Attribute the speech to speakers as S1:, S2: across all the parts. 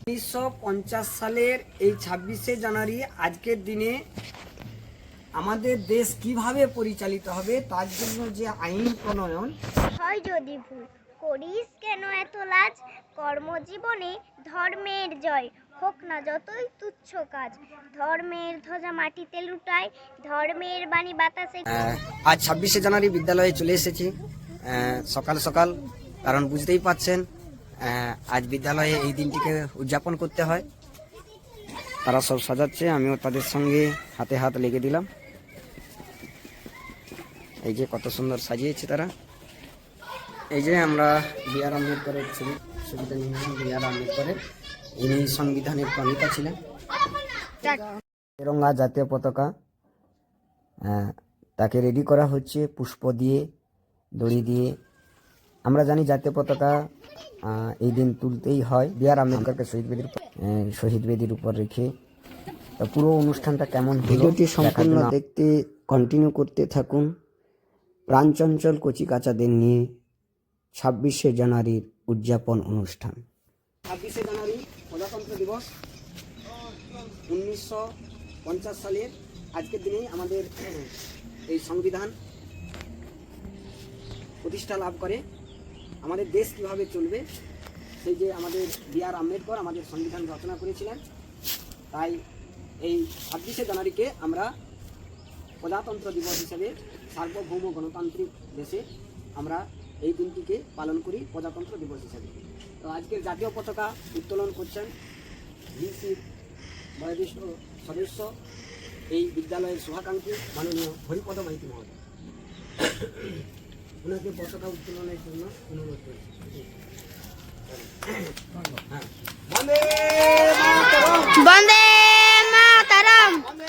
S1: 1950 সালের এই 26শে জানুয়ারি আজকের দিনে আমাদের দেশ কিভাবে পরিচালিত হবে তার জন্য যে আইন প্রণয়ন
S2: হয় যদি ভুল করিস কেন এত লাজ, কর্মজীবনে ধর্মের জয় হোক না যতই তুচ্ছ কাজ, ধর্মের ধ্বজা মাটিতে লুটায়, ধর্মের বাণী বাতাসে।
S1: আজ 26শে জানুয়ারি বিদ্যালয়ে চলে এসেছি সকাল সকাল, কারণ বুঝতেই পাচ্ছেন আজ বিদ্যালয়ে এই দিনটিকে উদযাপন করতে হয়। তারা সব সাজাচ্ছে, আমিও তাদের সঙ্গে হাতে হাত লেগে দিলাম। এই যে কত সুন্দর সাজিয়েছে তারা। এই যে আমরা বি.আর. আম্বেদকরের ছবি সুবিধা নিলাম। বি.আর. আম্বেদকরের ইনি সংবিধানের প্রণেতা ছিলেন। তেরঙ্গা জাতীয় পতাকা তাকে রেডি করা হচ্ছে পুষ্প দিয়ে, দড়ি দিয়ে। আমরা জানি জাতীয় পতাকা এই দিন তুলতেই হয়। বি.আর. আম্বেদকরকে শহীদ বেদির উপর রেখে পুরো অনুষ্ঠানটা কেমন ভিডিওটি সম্পূর্ণ দেখতে কন্টিনিউ করতে থাকুন। প্রাণচঞ্চল কচিকাচাদের নিয়ে 26শে জানুয়ারির উদযাপন অনুষ্ঠান। 26শে জানুয়ারি প্রজাতন্ত্র দিবস 1950 সালের আজকের দিনে আমাদের এই সংবিধান প্রতিষ্ঠা লাভ করে। আমাদের দেশ কিভাবে চলবে সেই যে আমাদের বি.আর. আম্বেদকর আমাদের সংবিধান রচনা করেছিলেন। তাই এই 26শে জানুয়ারিকে আমরা প্রজাতন্ত্র দিবস হিসেবে সার্বভৌম গণতান্ত্রিক দেশে আমরা এই দিনটিকে পালন করি প্রজাতন্ত্র দিবস হিসেবে। তো আজকের জাতীয় পতাকা উত্তোলন করছেন ভিসির বয়োজ্যেষ্ঠ সদস্য, এই বিদ্যালয়ের শুভাকাঙ্ক্ষী মাননীয় হরিপদ মাইতি মহোদয়। ওনাকে পতাকা উত্তোলনের জন্য অনুরোধ করছি। বন্দে
S2: মাতরম,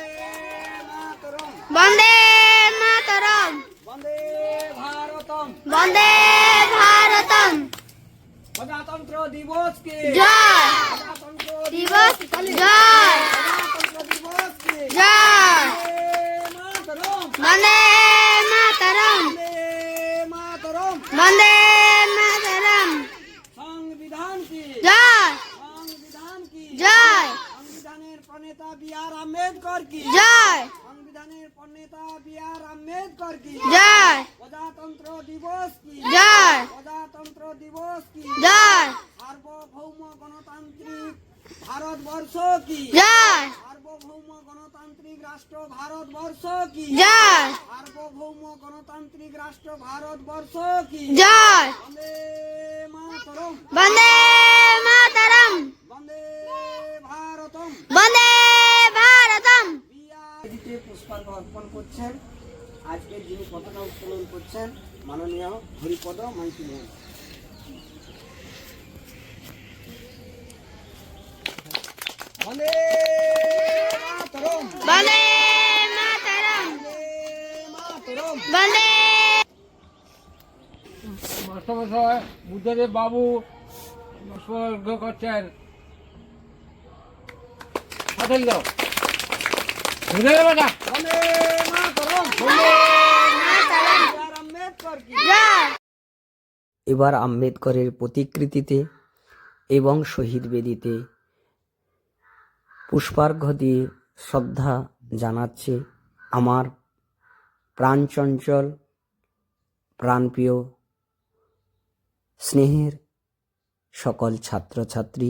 S2: বন্দে মাতরম,
S1: বন্দে ভারতম,
S2: বন্দে ভারতম।
S1: প্রজাতন্ত্র দিবস কে
S2: জয়,
S1: প্রজাতন্ত্র
S2: দিবস জয়,
S1: প্রজাতন্ত্র দিবস কে
S2: জয়,
S1: মাতরম,
S2: বন্দে মাতরম,
S1: বন্দে মাতরম।
S2: বন্দে মাতরম।
S1: সংবিধান কি
S2: জয়,
S1: সংবিধান কি
S2: জয়,
S1: সংবিধানের প্রণেতা বি.আর. আম্বেদকর কি
S2: জয়,
S1: সংবিধানের প্রণেতা বি.আর. আম্বেদকর কি
S2: জয়,
S1: প্রজাতন্ত্র দিবস কি
S2: জয়,
S1: প্রজাতন্ত্র দিবস কি
S2: জয়,
S1: সার্বভৌম গণতান্ত্রিক ভারতবর্ষ কি
S2: জয়,
S1: সার্বভৌম গণতান্ত্রিক রাষ্ট্র ভারতবর্ষ কি
S2: জয়,
S1: সার্বভৌম গণতান্ত্রিক রাষ্ট্র ভারতবর্ষ কি
S2: জয়,
S1: বন্দে মাতরম,
S2: বন্দে মাতরম,
S1: বন্দে ভারতম।
S2: বন্দে ভারতম।
S1: দিতে পুষ্পার্ঘ্য অর্পণ করছেন আজকের যিনি পতাকা উত্তোলন করছেন মাননীয় হরিপদ মাইতি মহোদয়। বন্দে মাতরম,
S2: বন্দে মাতরম,
S1: বন্দে মাতরম।
S2: বন্দে।
S3: মাস্টারমশাই বুদ্ধদেব বাবু পুষ্পার্ঘ্য করছেন। হাতে দাও,
S1: বন্দে মাতরম, বন্দে মাতরম। বি.আর. আম্বেদকর কি এবার আম্বেদকরের প্রতিকৃতিতে এবং শহীদ বেদিতে পুষ্পার্ঘ্য দিয়ে শ্রদ্ধা জানাচ্ছে আমার প্রাণচঞ্চল প্রাণপ্রিয় স্নেহের সকল ছাত্রছাত্রী।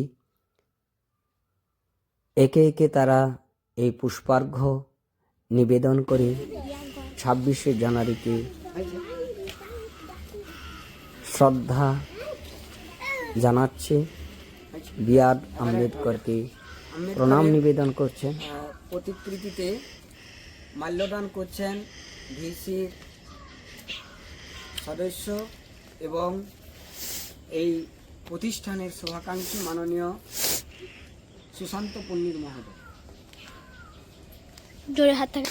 S1: একে একে তারা এই পুষ্পার্ঘ্য নিবেদন করে 26শে জানুয়ারিকে শ্রদ্ধা জানাচ্ছে, বি.আর. আম্বেদকরকে প্রণাম নিবেদন করছেন। প্রতিকৃতিতে মাল্যদান করছেন ভিসির সদস্য এবং এই প্রতিষ্ঠানের শুভাকাঙ্ক্ষী মাননীয় সুশান্ত পন্ডিত মহোদয়।
S2: জোরে হাত থাকে।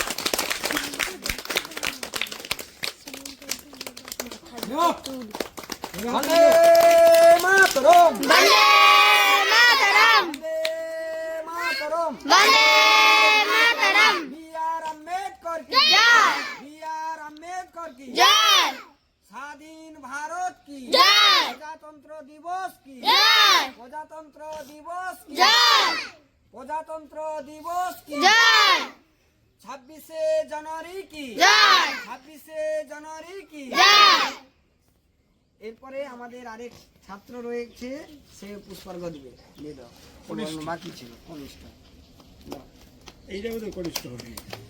S1: বন্দে মাতরম,
S2: বন্দে মাতরম,
S1: বন্দে মাতরম।
S2: বন্দে মাতরম।
S1: বি.আর. আম্বেদকর কি
S2: জয়,
S1: বি.আর. আম্বেদকর কি
S2: জয়,
S1: স্বাধীন ভারত কি
S2: জয়,
S1: প্রজাতন্ত্র দিবস কি
S2: জয়,
S1: প্রজাতন্ত্র দিবস কি প্রজাতন্ত্র দিবস কি 26শে জানুয়ারি কি 26শে জানুয়ারি কি। এরপরে আমাদের আরেক ছাত্র রয়েছে, সে পুষ্পার্ঘ দিবে। দিয়ে দাও, বাকি ছিল কনিষ্ঠ।
S3: এইটা বোধহয় কনিষ্ঠ হবে।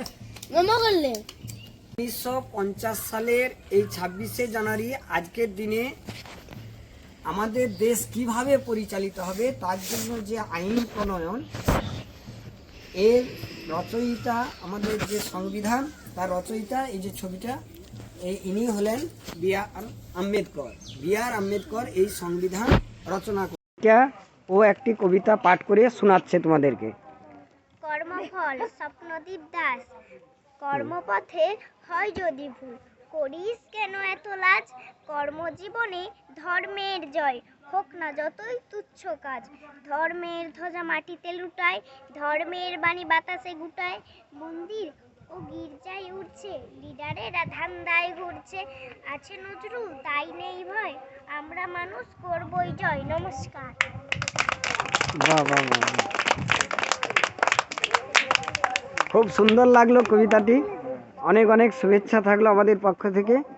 S1: 1950 সালের এই 26শে জানুয়ারি আজকের দিনে আমাদের দেশ কিভাবে পরিচালিত হবে তার জন্য যে আইন প্রণয়ন, এর রচয়িতা আমাদের যে সংবিধান তার রচয়িতা, এই যে ছবিটা, ইনি হলেন বি.আর. আম্বেদকর এই সংবিধান রচনা করে। ও একটি কবিতা পাঠ করে শোনাচ্ছে তোমাদেরকে।
S2: কর্মফল স্বপ্নদীপ দাস। কর্মপথে হয় যদি ভুল, করিস কেন এত লাজ। কর্মজীবনে ধর্মের জয়, হোক না যতই তুচ্ছ কাজ। ধর্মের ধ্বজা মাটিতে লুটায়, ধর্মের বাণী বাতাসে গুটায়। মন্দির ও গির্জায় উঠছে, লিডারেরা ধান্দায় ঘুরছে। আছে নজরুল তাই নেই ভয়, আমরা মানুষ করবই জয়। নমস্কার।
S1: বাহ বাহ বাহ, খুব সুন্দর লাগলো কবিতাটি। অনেক অনেক শুভেচ্ছা থাকলো আমাদের পক্ষ থেকে।